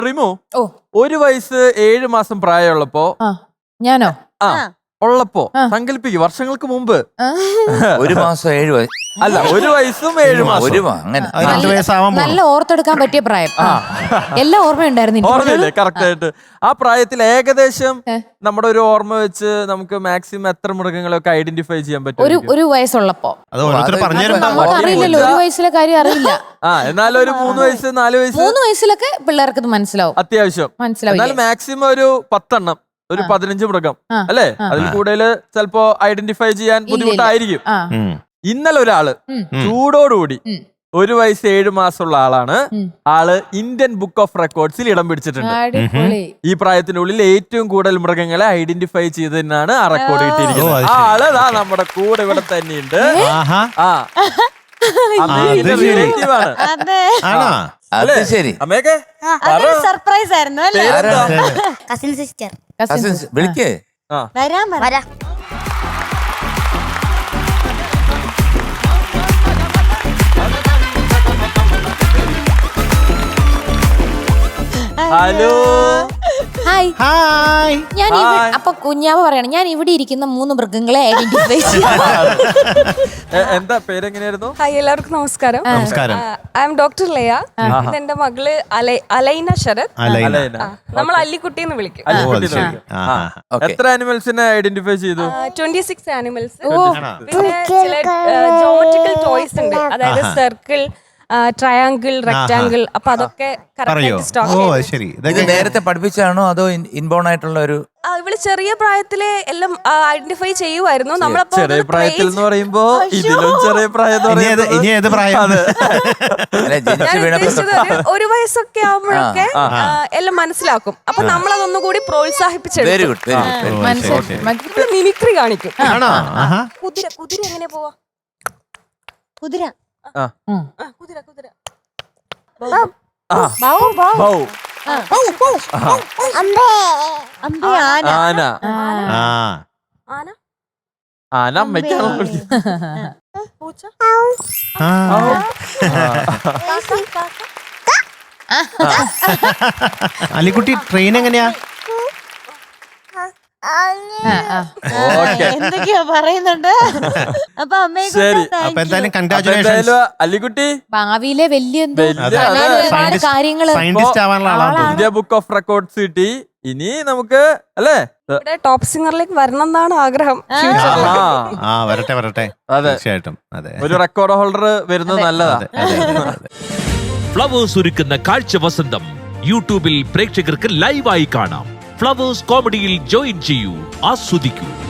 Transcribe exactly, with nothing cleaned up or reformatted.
ട്രിമു ഓ ഒരു വയസ്സ് ഏഴ് മാസം പ്രായമുള്ളപ്പോ ഞാനോ ആ ഉള്ളപ്പോ സങ്കല്പിക്കും വർഷങ്ങൾക്ക് മുമ്പ് ഒരു മാസം ഏഴ് വയസ്സ് അല്ല ഒരു വയസ്സും ഏഴ് മാസം ഒരു അങ്ങനെ നല്ല ഓർത്തെടുക്കാൻ പറ്റിയ പ്രായം എല്ലാം ഓർമ്മയുണ്ടായിരുന്നു ഓർമ്മയില്ലേ കറക്റ്റ് ആയിട്ട് ആ പ്രായത്തിൽ ഏകദേശം നമ്മുടെ ഒരു ഓർമ്മ വെച്ച് നമുക്ക് മാക്സിമം എത്ര മൃഗങ്ങളെയൊക്കെ ഐഡന്റിഫൈ ചെയ്യാൻ പറ്റും ഒരു ഒരു വയസ്സുള്ളപ്പോ നമുക്ക് അറിയില്ലല്ലോ ഒരു വയസ്സിലെ കാര്യം അറിയില്ല ആ എന്നാലും ഒരു മൂന്ന് വയസ്സ് നാല് വയസ്സ് മൂന്ന് വയസ്സിലൊക്കെ പിള്ളേർക്ക് ഇത് മനസ്സിലാവും അത്യാവശ്യം മനസ്സിലാവും എന്നാലും മാക്സിമം ഒരു പത്തെണ്ണം ഒരു പതിനഞ്ച് മൃഗം അല്ലെ അതിൽ കൂടുതൽ ചിലപ്പോ ഐഡന്റിഫൈ ചെയ്യാൻ ബുദ്ധിമുട്ടായിരിക്കും. ഇന്നലെ ഒരാള് ചൂടോടുകൂടി ഒരു വയസ്സ് ഏഴ് മാസമുള്ള ആളാണ്. ആള് ഇന്ത്യൻ ബുക്ക് ഓഫ് റെക്കോർഡ്സിൽ ഇടം പിടിച്ചിട്ടുണ്ട്. ഈ പ്രായത്തിനുള്ളിൽ ഏറ്റവും കൂടുതൽ മൃഗങ്ങളെ ഐഡന്റിഫൈ ചെയ്തതിനാണ് ആ റെക്കോർഡ് കിട്ടിയിരിക്കുന്നത്. ആ ആള് ദാ നമ്മുടെ കൂടെ ഇവിടെ തന്നെയുണ്ട്. ആ അത് ശരി. അമ്മയൊക്കെ സർപ്രൈസ് ആയിരുന്നു അല്ലേ? കസിൻ സിസ്റ്റർ വിളിക്കേ വരാൻ വരാ. Hello hi hi. ഞാൻ അപ്പൊ കുഞ്ഞാവ് പറയണം ഞാൻ ഇവിടെ ഇരിക്കുന്ന മൂന്ന് മൃഗങ്ങളെ ഐഡന്റിഫൈ എന്താ പേരെങ്ങനെയായിരുന്നു? ഹായ് എല്ലാവർക്കും നമസ്കാരം. നമസ്കാരം. I am doctor Laya. ഇത് എന്റെ മകള് അലൈന ശരത്. നമ്മൾ അല്ലിക്കുട്ടി എന്ന് വിളിക്കും. എത്ര ആനിമൽസിനെ ഐഡന്റിഫൈ ചെയ്തു? Twenty six animals. പിന്നെ ചില ജോമെട്രിക്കൽ ടോയ്സ് ഉണ്ട്, അതായത് സർക്കിൾ, ട്രയാങ്കിൾ, റെക്ടാങ്കിൾ. അപ്പൊ അതൊക്കെ നേരത്തെ പഠിപ്പിച്ചാണോ അതോ ഇൻബോൺ ആയിട്ടുള്ള ഒരു? ഇവള് ചെറിയ പ്രായത്തില് എല്ലാം ഐഡന്റിഫൈ ചെയ്യുമായിരുന്നു. നമ്മളപ്പോ ചെറിയ പ്രായത്തിൽ എന്ന് പറയുമ്പോ ഇതിലും ചെറിയ പ്രായം ഒരു വയസ്സൊക്കെ ആവുമ്പോഴൊക്കെ എല്ലാം മനസ്സിലാക്കും. അപ്പൊ നമ്മളതൊന്നുകൂടി പ്രോത്സാഹിപ്പിച്ചെടുക്കും. മിമിക്രി കാണിക്കും. കുതിര കുതിര എങ്ങനെ പോവാ? കുതിര കുതിര കുതിര ആന ആന ആന അമ്മയ്ക്കാണോ പൂച്ച അലിക്കുട്ടി ട്രെയിൻ എങ്ങനെയാ? എന്തൊക്കെയാ പറയുന്നുണ്ട്. അപ്പൊ ശരി. അപ്പൊ എന്തായാലും കൺഗ്രാറ്റുലേഷൻസ് അല്ലിക്കുട്ടി. ഭാവിയിലെ വലിയ ഒരുപാട് കാര്യങ്ങള് സയന്റിസ്റ്റ് ആവാനുള്ള ആളാണ്. ഇന്ത്യ ബുക്ക് ഓഫ് റെക്കോർഡ്സ് കിട്ടി. ഇനി നമുക്ക് അല്ലേ ടോപ്പ് സിംഗറിലേക്ക് വരണം എന്നാണ് ആഗ്രഹം. ആ വരട്ടെ വരട്ടെ. തീർച്ചയായിട്ടും അതെ, ഒരു റെക്കോർഡ് ഹോൾഡർ വരുന്നത് നല്ലതാ. ഫ്ലവേഴ്സ് ഒരുക്കുന്ന കാഴ്ച വസന്തം യൂട്യൂബിൽ പ്രേക്ഷകർക്ക് ലൈവായി കാണാം. ഫ്ലവേഴ്സ് കോമഡിയിൽ ജോയിൻ ചെയ്യൂ, ആസ്വദിക്കൂ.